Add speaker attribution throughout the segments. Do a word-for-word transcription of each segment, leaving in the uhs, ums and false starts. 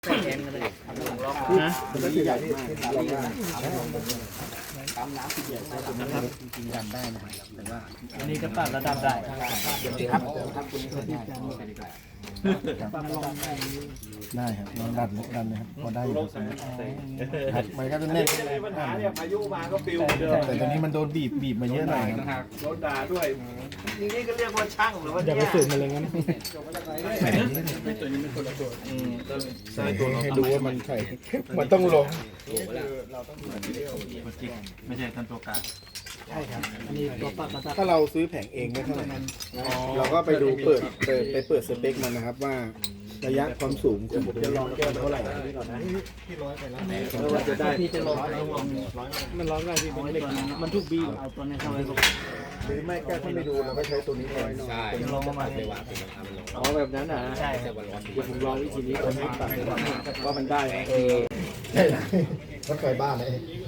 Speaker 1: ใส่แทนกันเลยนะใหญ่มากปั๊มน้ำที่ใหญ่นะครับจริงๆดันได้นะครับแต่ว่าอันนี้ก็ปรับระดับได้ครับครับคุณได้
Speaker 2: ได้ครับลองดันดันเลยครับพอได้อยู่ครับมันก็จะแน่น
Speaker 3: ปัญหาเนี่ยพายุมาก็ปิวเดิม
Speaker 2: แต่ตอนนี้มันโดนบีบบีบมาเยอะหน่อยครับ
Speaker 3: โดนด่าด้วยอย่างนี้ก็เรียกว่าช่างหรือว่า
Speaker 2: อย่าไปฝืนมันเลยงั้นให้ดูว่ามันใส่มันต้องลง
Speaker 3: ไม่ใช่ท่านตัวกลาง
Speaker 1: ใช่ครับอันนี้ตัวปรับระดับ
Speaker 2: ถ้าเราซื้อแผงเองไม่เท่าไหร่เราก็ไปดูเปิดเปิดไปเปิดสเปคมันนะครับว่าระยะความสูงผมจะลองแก้เท่าไหร่
Speaker 1: เราจะได้พี่จะลง
Speaker 2: มันร้อนได้พี่เป็นเหล็ก
Speaker 1: มันทุกบีเอาตัวนี้เข้าไปก็
Speaker 2: หรือไม่แก้ถ้าไม่ดูเราก็ใช้ตัวนี้แทน
Speaker 4: ใช่
Speaker 1: จะลงประมาณนี้
Speaker 4: อ๋อแบบนั้นนะ
Speaker 1: ใช่
Speaker 4: แต่วันร้อน
Speaker 1: เดี๋ยวผมลองวิธีนี้ผมปรับเลยว่ามันได้
Speaker 2: เออใช่รถไฟบ้านเลย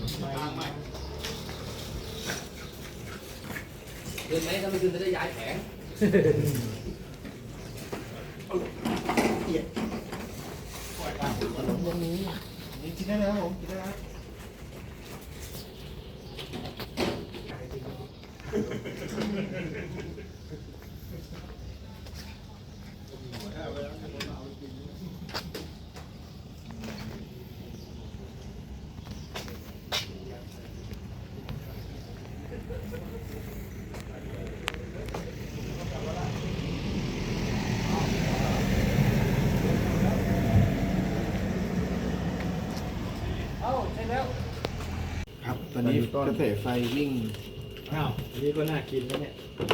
Speaker 4: คืนไหมถ้าไม่คืนจะได้ย้ายแผง
Speaker 2: กินได้แล้วผมกินได้แล้ว ครับตอนนี้กระแสไฟวิ่ง
Speaker 1: อ้าวนี่ก็น่ากินแล้วเนี่ย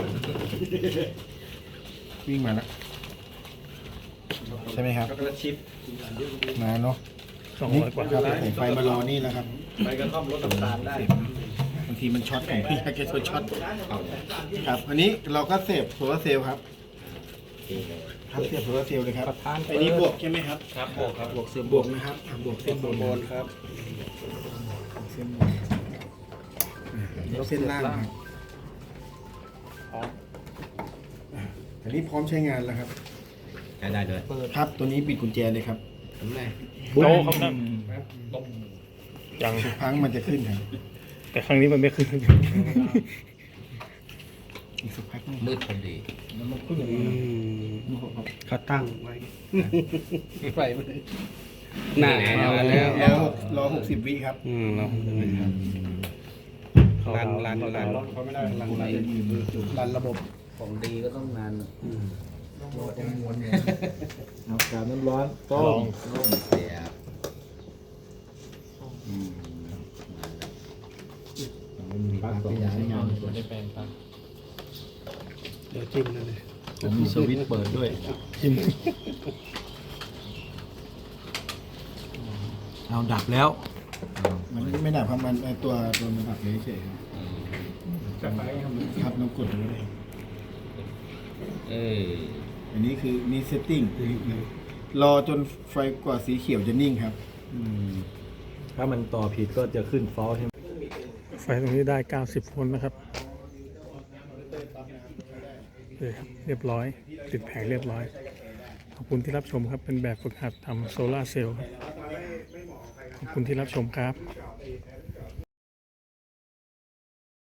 Speaker 2: วิ่งมาแล้วใช่ไหมครับ
Speaker 3: ช็อกโกแลตชิพ
Speaker 2: มาเนาะสองร้อยกว่าครับกระแสไฟมารอนี่แล้วครับ
Speaker 3: ไปกระท่อมรสน้ำตาลได้
Speaker 2: บางทีมันช็อตผมพี่อยากจะช็อตครับอันนี้เราก็เสียบโซลาร์เซลล์ครับครับเสียบโซลาร์เซลล์เลยครับอันนี้บวกใช่ไหมครับ
Speaker 3: ครับบวกครับบวกเสื่อม
Speaker 2: บวกนะครับอ่ะบวกเส้นบน
Speaker 3: บนครับ
Speaker 2: เส้นบนแล้วเส้นล่างครับอ่ะอันนี้พร้อมใช้งานแล้วครับ
Speaker 4: ใช้ได้เลย
Speaker 2: ครับตัวนี้ปิดกุญแจเลยครับ
Speaker 4: ทำไง
Speaker 5: โตครับนะยัง
Speaker 2: ทุกครั้งมันจะขึ้นครับ
Speaker 5: แต่ครั้งนี้มันไม่ขึ้น
Speaker 2: อีกสักพักหนึ่ง
Speaker 4: มืดพอดี
Speaker 1: เขาตั้งไว้
Speaker 4: ไฟมัน
Speaker 1: หน้า
Speaker 4: มาแล้ว
Speaker 2: รอรอหกสิบวิครับ
Speaker 5: อืมเนาะ
Speaker 1: รันรันรัน
Speaker 2: เขาไม่ได้รันรันระบบ
Speaker 4: ของดีก็ต้องนาน
Speaker 2: เอากาบน้ำร้อนต้
Speaker 5: ลอ
Speaker 2: ม
Speaker 5: ง
Speaker 4: ร่มเสียบ
Speaker 2: ปักสองอย่างงาน
Speaker 5: ได้แปลงครับ
Speaker 1: เดี๋ยวจิ้มนั่นเลย
Speaker 3: ผมมีสวิตช์เปิดด้วย
Speaker 1: เอาดับแล้ว
Speaker 2: มันไม่ดับครับมันไอ้ตัวตัวมันดับเฉยๆครับน้องกดดูเลย
Speaker 4: เออ
Speaker 2: อันนี้คือนี่เซตติ้งรอจนไฟกว่าสีเขียวจะนิ่งครับ
Speaker 3: ถ้ามันต่อผิดก็จะขึ้นฟอลใช่ไหม
Speaker 5: ไฟตรงนี้ได้เก้าสิบโวลต์นะครับเออเรียบร้อย ติดแผงเรียบร้อย ขอบคุณที่รับชมครับ เป็นแบบฝึกหัดทำโซลาร์เซลล์ครับขอบคุณที่รับชมครับ